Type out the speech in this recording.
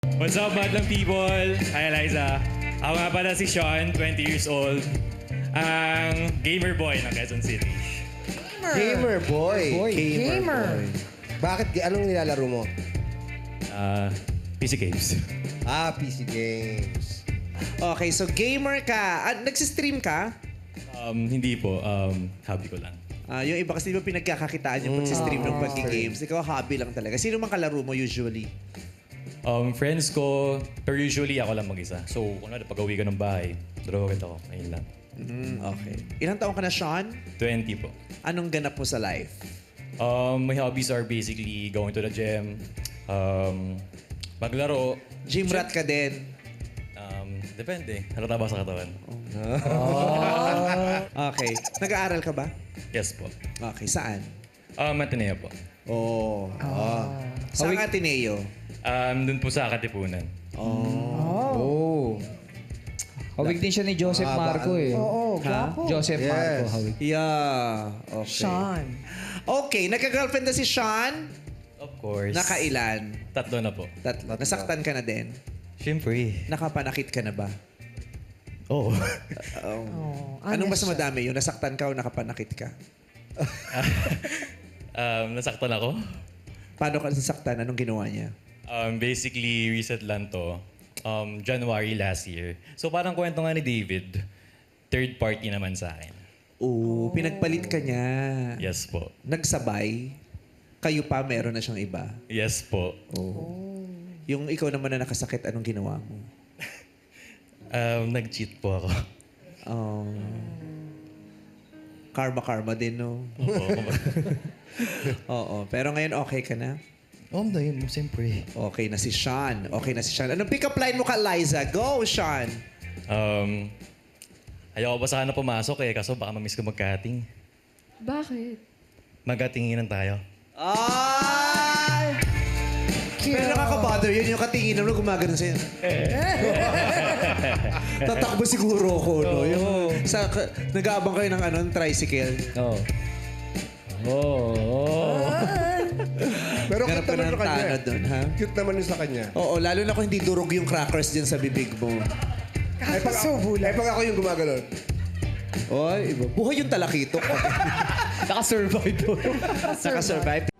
What's up, madlang people? Hi, Eliza. Ako nga pala si Sean, 20 years old. Ang gamer boy ng Quezon City. Gamer boy. Gamer. Bakit? Anong nilalaro mo? PC games. PC games. Okay, so gamer ka. Nagsistream ka? Hindi po. Hobby ko lang. Yung iba kasi di ba pinagkakakitaan yung pagsistream ng pag-games. Ikaw, hobby lang talaga. Sino mang kalaro mo usually? Friends ko, pero usually ako lang mag-isa. So, kung ano, pag-uwi ko ng bahay, dalawa ako. Ayun lang. Okay. Ilang taong ka na, Sean? 20 po. Anong ganap mo sa life? My hobbies are basically going to the gym, maglaro. Gym rat ka din. Depende. Halata ba sa katawan? Okay. Nag-aaral ka ba? Yes po. Okay. Saan? Ateneo po. Saan Ateneo? Doon po sa Katipunan. Hawig din siya ni Joseph Marco eh. Oo, gwapo. Joseph Yes. Marco, hawig. Yeah. Okay. Sean. Okay. Nagka-girlfriend na si Sean? Of course. Nakailan? 3 na po. Tatlo. Nasaktan ka na din? Siyempre. Nakapanakit ka na ba? Oo. Anong mas madami yun? Nasaktan ka o nakapanakit ka? Nasaktan ako. Paano ka nasaktan? Anong ginawa niya? Basically, reset lang to. January last year. So parang kwento nga ni David, third party naman sa akin. Pinagpalit ka niya. Yes po. Nagsabay. Kayo pa, meron na siyang iba. Yes po. Yung ikaw naman na nakasakit, anong ginawa mo? Nag-cheat po ako. Karma din, no? Oo. Pero ngayon, okay ka na? Dahil mo, siyempre. Okay na si Sean. Anong pick-up line mo ka, Liza? Go, Sean! Ayoko pa sana pumasok eh, kaso baka mamiss ko magkating. Bakit? Magkatinginan tayo. Ay! Pero nakaka-bother yun, yung katinginan mo gumagano sa'yo. Tatakbo siguro ako, no? Yung, nag-aabang kayo ng tricycle. Pero Ganap cute ka naman ng sa kanya. tanod dun, ha? Cute naman yun sa kanya. Oo, lalo na kung hindi durog yung crackers dyan sa bibig mo. Kakasubo lang. Pag ako yung gumagano'n. Oy, iba. Buhay yung talakitok. Naka-survive po. Nakasurvive.